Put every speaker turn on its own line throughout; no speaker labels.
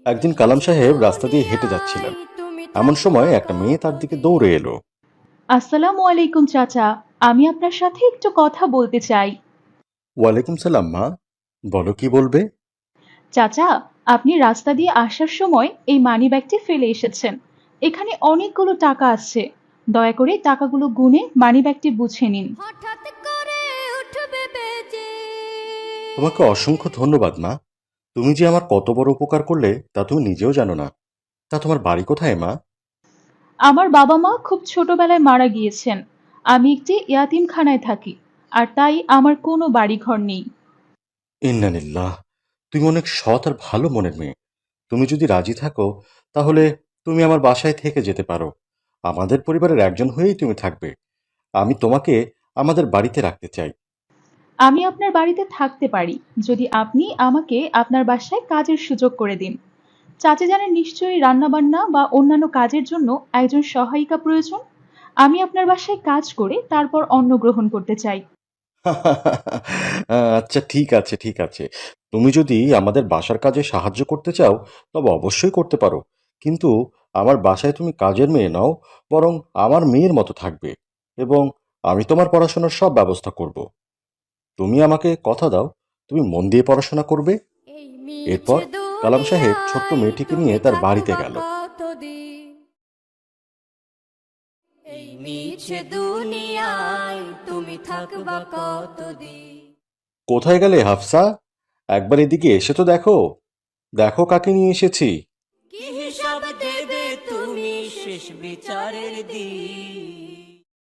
একদিন কালাম সাহেব রাস্তা দিয়ে হেঁটে যাচ্ছিলেন। এমন সময় একটা মেয়ে তার দিকে দৌড়ে এলো।
আসসালামু আলাইকুম চাচা। আমি আপনার সাথে একটু কথা বলতে চাই।
ওয়ালাইকুম সালাম মা, বলো কি বলবে।
চাচা, আপনি রাস্তা দিয়ে আসার সময় এই মানিব্যাগটি ফেলে এসেছেন। এখানে অনেকগুলো টাকা আছে। দয়া করে টাকাগুলো গুনে মানিব্যাগটি বুঝে নিন।
হঠাৎ করে উঠবে বেজে।
তোমাকে অসংখ্য ধন্যবাদ মা। তুমি যে আমার কত বড় উপকার করলে তা তুমি নিজেও জানো না। তা তোমার বাড়ি কোথায় মা?
আমার বাবা মা খুব ছোটবেলায় মারা গিয়েছেন। আমি একটি ইয়াতিমখানায় থাকি, আর তাই আমার কোনো বাড়িঘর নেই।
ইন্নালিল্লাহ। তুমি অনেক সৎ আর ভালো মনের মেয়ে। তুমি যদি রাজি থাকো তাহলে তুমি আমার বাসায় থেকে যেতে পারো। আমাদের পরিবারের একজন হয়েই তুমি থাকবে। আমি তোমাকে আমাদের বাড়িতে রাখতে চাই।
আমি আপনার বাড়িতে থাকতে পারি যদি আপনি আমাকে আপনার বাসায় কাজের সুযোগ করে দিন। চাচা জানেন নিশ্চয়ই রান্নাবান্না বা অন্যান্য কাজের জন্য একজন সহায়িকা প্রয়োজন। আমি আপনার বাসায় কাজ করে তারপর অন্ন গ্রহণ করতে চাই।
আচ্ছা, ঠিক আছে, ঠিক আছে। তুমি যদি আমাদের বাসার কাজে সাহায্য করতে চাও তবে অবশ্যই করতে পারো। কিন্তু আমার বাসায় তুমি কাজের মেয়ে নও, বরং আমার মেয়ের মতো থাকবে। এবং আমি তোমার পড়াশোনার সব ব্যবস্থা করব। তুমি আমাকে কথা দাও, তুমি মন দিয়ে পড়াশোনা করবে।
এই
এরপর
মিছে
কালাম সাহেব ছোট্ট
দুনিয়ায়
মেয়েটিকে নিয়ে
তুমি
তার বাড়িতে
থাকবা
গেল।
কতদিন। এই মিছে দুনিয়ায় তুমি থাকবা কতদিন।
কোথায় গেলে হাফসা? একবার এদিকে এসে তো দেখো। দেখো কাকে নিয়ে এসেছি।
কি হিসাব দেবে তুমি শেষ বিচারের দিন।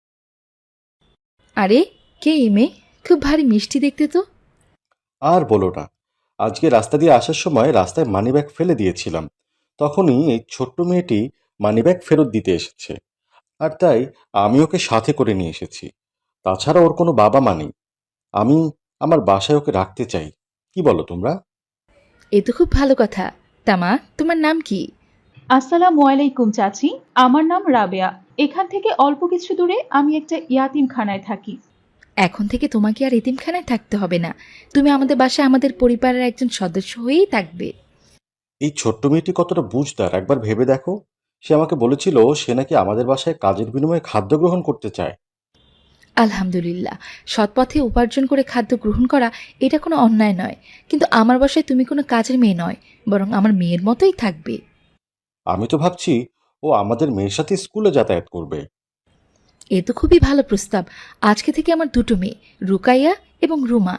আরে, কে এই মেয়ে? খুব ভারী মিষ্টি দেখতে তো।
আর বলো না, আজকে রাস্তা দিয়ে আসার সময় রাস্তায় মানিব্যাগ ফেলে দিয়েছিলাম। তখনই এই ছোট্ট মেয়েটি মানিব্যাগ ফেরত দিতে এসেছে। আর তাই আমি ওকে সাথে করে নিয়ে এসেছি। তাছাড়া ওর কোনো বাবা মা নেই। আমি আমার বাসায় ওকে রাখতে চাই। কি বলো তোমরা?
এ তো খুব ভালো কথা। তামা, তোমার নাম কি?
আসসালামু আলাইকুম চাচি। আমার নাম রাবেয়া। এখান থেকে অল্প কিছু দূরে আমি একটা ইয়াতিমখানায় থাকি।
এখন থেকে তোমাকে আর এতিমখানায় থাকতে হবে না। তুমি আমাদের বাসায় আমাদের পরিবারের একজন সদস্য হয়েই থাকবে।
এই ছোট্ট মেয়েটি কতটা বুঝদার একবার ভেবে দেখো। সে আমাকে বলেছিল সে নাকি আমাদের বাসায় কাজের বিনিময়ে খাদ্য গ্রহণ করতে চায়।
আলহামদুলিল্লাহ, সৎপথে উপার্জন করে খাদ্য গ্রহণ করা এটা কোনো অন্যায় নয়। কিন্তু আমার বাসায় তুমি কোনো কাজের মেয়ে নয়, বরং আমার মেয়ের মতোই থাকবে।
আমি তো ভাবছি ও আমাদের মেয়ের সাথে স্কুলে যাতায়াত করবে।
এ তো খুবই ভালো প্রস্তাব। আজকে থেকে আমার দুটো মেয়ে, রুকাইয়া এবং রুমা।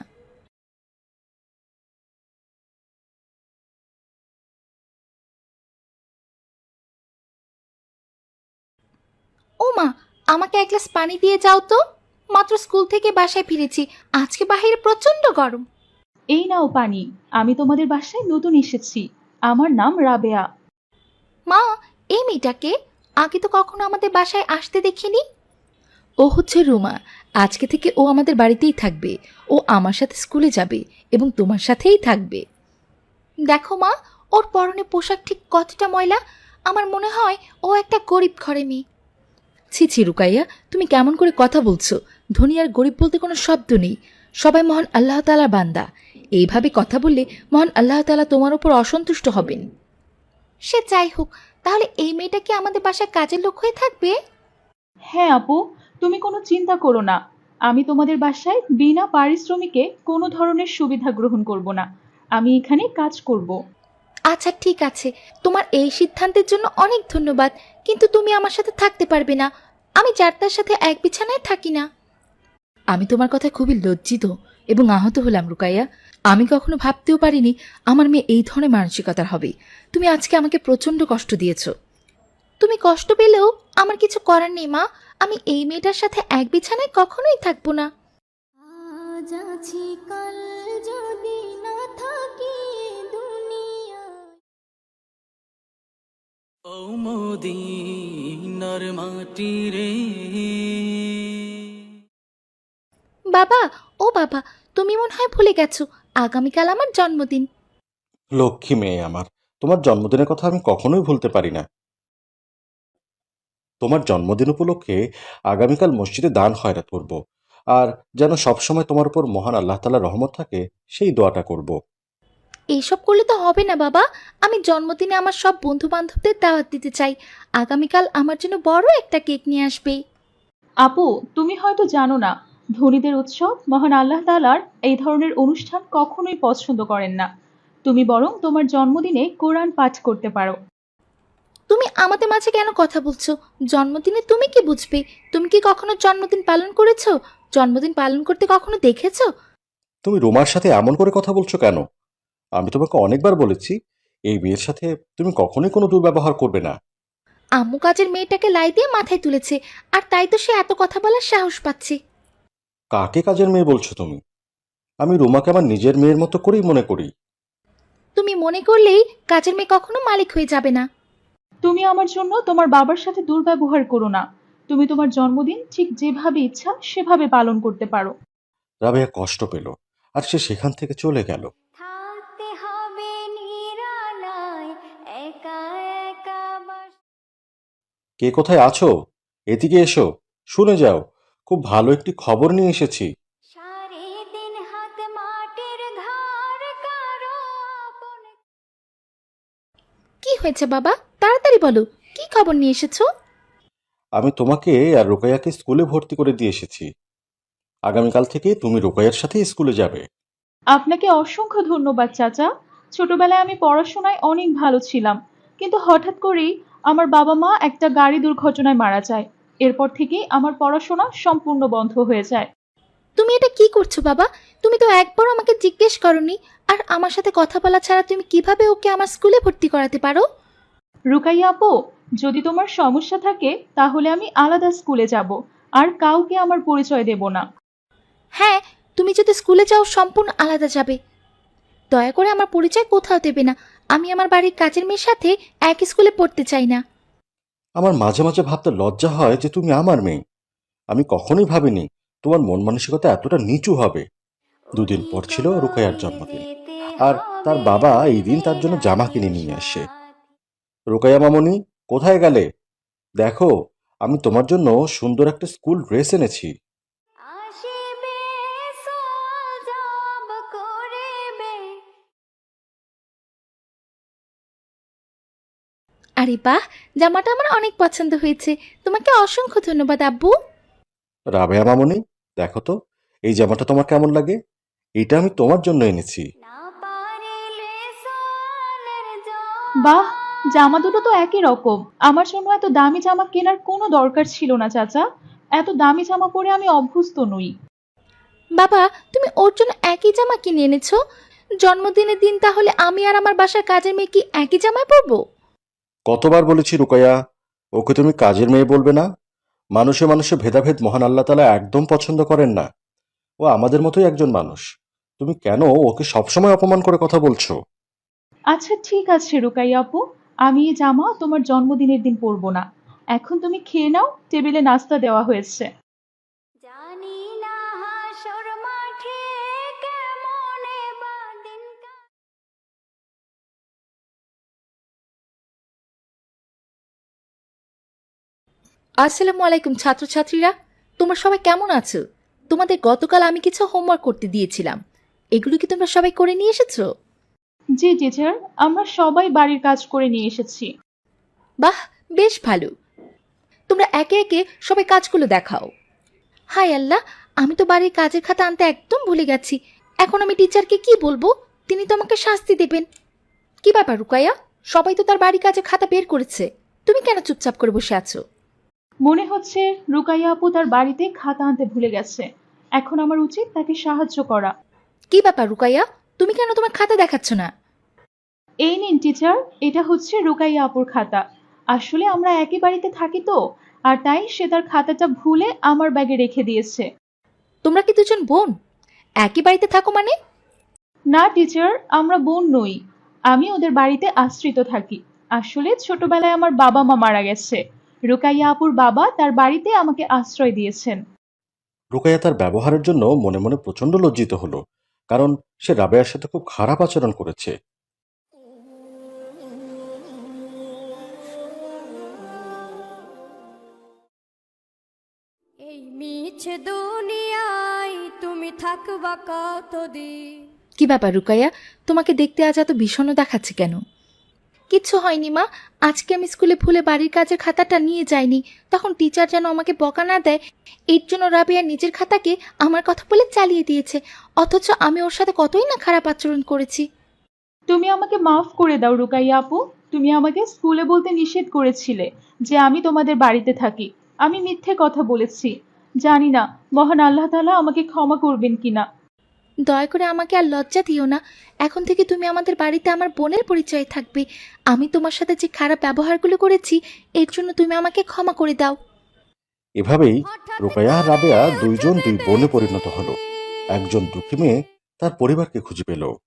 ও মা, আমাকে এক গ্লাস পানি দিয়ে যাও তো। মাত্র স্কুল থেকে বাসায় ফিরেছি। আজকে বাইরে প্রচন্ড গরম।
এই নাও পানি। আমি তোমাদের বাসায় নতুন এসেছি। আমার নাম রাবেয়া।
মা, এই মেয়েটাকে আগে তো কখনো আমাদের বাসায় আসতে দেখিনি। ও হচ্ছে রুমা। আজকে থেকে ও আমাদের বাড়িতেই থাকবে। ও আমার সাথে স্কুলে যাবে এবং তোমার সাথেই থাকবে। দেখো মা, ওর পরনে পোশাক ঠিক কতটা ময়লা। আমার মনে হয় ও একটা গরিব ঘরে মেয়ে। ছি ছি রুকাইয়া, তুমি কেমন করে কথা বলছো? ধনী আর গরিব বলতে কোনো শব্দ নেই। সবাই মহান আল্লাহ তাআলার বান্দা। এইভাবে কথা বললে মহান আল্লাহ তাআলা তোমার উপর অসন্তুষ্ট হবেন। সে যাই হোক, তাহলে এই মেয়েটা কি আমাদের বাসায় কাজের লোক হয়ে থাকবে?
হ্যাঁ আপু, তুমি কোনো চিন্তা করো না। আমি তোমাদের বাসায় বিনা পারিশ্রমিকে কোনো ধরনের সুবিধা গ্রহণ করব না। আমি এখানে কাজ করব।
আচ্ছা ঠিক আছে, তোমার এই সিদ্ধান্তের জন্য অনেক ধন্যবাদ। কিন্তু তুমি আমার সাথে থাকতে পারবে না। আমি যার তার সাথে এক বিছানায় থাকি না। আমি তোমার কথায় খুবই লজ্জিত এবং আহত হলাম রুকাইয়া। আমি কখনো ভাবতেও পারিনি আমার মেয়ে এই ধরনের মানসিকতার হবে। তুমি আজকে আমাকে প্রচণ্ড কষ্ট দিয়েছো। তুমি কষ্ট পেলেও আমার কিছু করার নেই মা। আমি এই মেয়েটার সাথে এক বিছানায় কখনোই থাকবো না।
আজ আছি কাল যদি না থাকি দুনিয়ায়।
ও মদিনার মাটি রে।
বাবা, ও বাবা, তুমি মনে হয় ভুলে গেছো আগামীকাল আমার জন্মদিন।
লক্ষ্মী মেয়ে আমার, তোমার জন্মদিনের কথা আমি কখনোই ভুলতে পারি না। তোমার জন্মদিন উপলক্ষে আগামীকাল মসজিদে দান খয়রাত করব। আর যেন সবসময় তোমার উপর মহান আল্লাহ তাআলার রহমত থাকে সেই দোয়াটা করব।
এইসব করলে তো হবে না বাবা। আমি জন্মদিনে আমার সব বন্ধু বান্ধবদের দাওয়াত দিতে চাই। আগামীকাল আমার জন্য বড় একটা কেক নিয়ে আসবে।
আপু, তুমি হয়তো জানো না, ধনীদের উৎসব মহান আল্লাহ তাআলার এই ধরনের অনুষ্ঠান কখনোই পছন্দ করেন না। তুমি বরং তোমার জন্মদিনে কোরআন পাঠ করতে পারো।
তুমি আমাদের মাঝে কেন কথা বলছো? জন্মদিনে তুমি কি বুঝবে? তুমি কি কখনো জন্মদিন পালন করেছো? জন্মদিন পালন করতে কখনো দেখেছো?
তুমি রুমার সাথে এমন করে কথা বলছো কেন? আমি তোমাকে অনেকবার বলেছি এই মেয়ের সাথে তুমি কখনোই কোনো দুর্ব্যবহার করবে না।
আম্মু কাজের মেয়েটাকে লাই দিয়ে মাথায় তুলেছে, আর তাই তো সে এত কথা বলার সাহস পাচ্ছে।
কাকে কাজের মেয়ে বলছো তুমি? আমি রুমাকে আমার নিজের মেয়ের মতো করেই মনে করি।
তুমি মনে করলেই কাজের মেয়ে কখনো মালিক হয়ে যাবে না।
তুমি আমার জন্য তোমার বাবার সাথে দুর্ব্যবহার করো না। তুমি তোমার জন্মদিন ঠিক যেভাবে ইচ্ছা সেভাবে পালন করতে পারো।
রাবেয়া কষ্ট পেল আর সে সেখান থেকে চলে গেল।
থাকতে হবে নিরালায়, একা একা
কে কোথায় আছো? এদিকে এসো, শুনে যাও, খুব ভালো একটি খবর নিয়ে এসেছি।
সারাদিন হাত মাটির ঘর কারো আপন।
কি হয়েছে বাবা? তাড়াতাড়ি বলো, কি খবর নিয়ে এসেছো?
আমি তোমাকে আর রোকাইয়াকে স্কুলে ভর্তি করে দিয়ে এসেছি। আগামীকাল থেকে তুমি রোকাইয়ার সাথে স্কুলে যাবে।
আপনাকে অসংখ্য ধন্যবাদ চাচা। ছোটবেলায় আমি পড়াশোনায় অনেক ভালো ছিলাম, কিন্তু হঠাৎ করেই আমার বাবা মা একটা গাড়ি দুর্ঘটনায় মারা যায়। এরপর থেকেই আমার পড়াশোনা সম্পূর্ণ বন্ধ হয়ে যায়।
তুমি এটা কি করছো বাবা? তুমি তো একবারও আমাকে জিজ্ঞেস করনি। আর আমার সাথে কথা বলা ছাড়া তুমি কিভাবে ওকে আমার স্কুলে ভর্তি করাতে পারো?
রুকাইয়া আপু, যদি তোমার সমস্যা থাকে তাহলে আমি আলাদা স্কুলে যাব, আর কাউকে আমার পরিচয় দেব না।
হ্যাঁ, তুমি যদি স্কুলে যাও সম্পূর্ণ আলাদা যাবে। দয়া করে আমার পরিচয় কোথাও দেবে না। আমি আমার বাড়ির কাজের মেয়ের সাথে এক স্কুলে পড়তে চাই না।
আমার মাঝে মাঝে ভাবতে লজ্জা হয় যে তুমি আমার মেয়ে। আমি কখনোই ভাবিনি তোমার মন মানসিকতা এতটা নিচু হবে। দুদিন পর ছিল রুকাইয়ার জন্মদিন, আর তার বাবা এই দিন তার জন্য জামা কিনে নিয়ে আসে। রুকাইয়া মামনি, কোথায় গেলে? দেখো, আমি তোমার জন্য সুন্দর একটা স্কুল ড্রেস এনেছি।
আসিবে সজব করিবে।
আরে বাহ, জামাটা আমার অনেক পছন্দ হয়েছে। তোমাকে অসংখ্য ধন্যবাদ আব্বু।
রাবেয়া মামনি, দেখো তো এই জামাটা তোমার কেমন লাগে। এটা আমি তোমার জন্য এনেছি।
না পারিলে সোয়ালের
বাহ,
জবাব।
জামা দুটো তো একই রকম। আমার জন্য এত দামি জামা কেনার কোনো দরকার ছিল না চাচা। এত দামি জামা পরে আমি অভ্যস্ত নই।
বাবা, তুমি ওর জন্য একই জামা কিনে এনেছো? জন্মদিনের দিন তাহলে আমি আর আমার বাসার কাজের মেয়ে কি একই জামায় পরবো?
কতবার বলেছি রুকাইয়া, ওকে তুমি কাজের মেয়ে বলবে না। মানুষে মানুষে ভেদাভেদ মহান আল্লাহ তাআলা একদম পছন্দ করেন না। ও আমাদের মতোই একজন মানুষ। তুমি কেন ওকে সবসময় অপমান করে কথা বলছো?
আচ্ছা ঠিক আছে রুকাইয়া আপু, আমি এই জামা তোমার জন্মদিনের দিন পরবো না। এখন তুমি খেয়ে নাও, টেবিলে নাস্তা দেওয়া হয়েছে।
জানি না হাসর মাঠে কেমনে বাদিন
আসসালামু আলাইকুম ছাত্রছাত্রীরা, তোমরা সবাই কেমন আছো? তোমাদের গতকাল আমি কিছু হোমওয়ার্ক করতে দিয়েছিলাম, এগুলো কি তোমরা সবাই করে নিয়ে এসেছো?
জি টিচার, আমরা সবাই বাড়ির কাজ করে নিয়ে এসেছি।
বাহ, বেশ ভালো। তোমরা একে একে সবাই কাজগুলো দেখাও। হায় আল্লাহ, আমি তো বাড়ির কাজের খাতা আনতে একদম ভুলে গেছি। এখন আমি টিচারকে কি বলবো? তিনি তো আমাকে শাস্তি দেবেন। কি ব্যাপার রুকাইয়া, সবাই তো তার বাড়ির কাজের খাতা বের করেছে, তুমি কেন চুপচাপ করে বসে আছো?
মনে হচ্ছে রুকাইয়া আপু তার বাড়িতে খাতা আনতে ভুলে গেছে। এখন আমার উচিত তাকে সাহায্য করা।
কি ব্যাপার রুকাইয়া, তুমি কেন তোমার খাতা দেখাচ্ছ না?
এই নিন টিচার, এটা হচ্ছে রুকাইয়া আপুর খাতা। আসলে আমরা একই বাড়িতে থাকি তো, আর তাই সে তার খাতাটা ভুলে আমার ব্যাগে রেখে দিয়েছে।
তোমরা কি দুজন বোন? একই বাড়িতে থাকো মানে?
না টিচার, আমরা বোন নই। আমি ওদের বাড়িতে আশ্রিত থাকি। আসলে ছোটবেলায় আমার বাবা মা মারা গেছে। রুকাইয়া আপুর বাবা তার বাড়িতে আমাকে আশ্রয় দিয়েছেন।
রুকাইয়া তার ব্যবহারের জন্য মনে মনে প্রচন্ড লজ্জিত হলো, কারণ সে রাবেয়ার সাথে খুব খারাপ আচরণ করেছে।
এই মিছে দুনিয়ায় তুমি থাকবা কতদিন।
কি ব্যাপার রুকাইয়া, তোমাকে দেখতে আজ এত বিষণ্ণ দেখাচ্ছে কেন? কিচ্ছু হয়নি মা, আজকে আমি স্কুলে ভুলে বাড়ির কাজের খাতাটা নিয়ে যাইনি, তখন টিচার যেন আমাকে বকা না দেয় এর জন্য রাবিয়া নিজের খাতাকে আমার কথা বলে চালিয়ে দিয়েছে, অথচ আমি ওর সাথে কতই না খারাপ আচরণ করেছি।
তুমি আমাকে মাফ করে দাও রুকাইয়া আপু। তুমি আমাকে স্কুলে বলতে নিষেধ করেছিলে যে আমি তোমাদের বাড়িতে থাকি। আমি মিথ্যে কথা বলেছি। জানি না মহান আল্লাহ তাআলা আমাকে ক্ষমা করবেন কিনা।
দয়া করে আমাকে আর লজ্জা দিও না, এখন থেকে তুমি আমাদের বাড়িতে আমার বোনের পরিচয়ে থাকবে। আমি তোমার সাথে যে খারাপ ব্যবহারগুলো করেছি এর জন্য তুমি আমাকে ক্ষমা করে দাও।
এভাবেই
হঠাৎ
রোকেয়া আর
করে
রাবেয়া
আজ
দুইজন দুই
দেখতে
বোনে পরিণত হলো।
এসেছি।
একজন দুঃখী মেয়ে তার পরিবারকে খুঁজে পেল,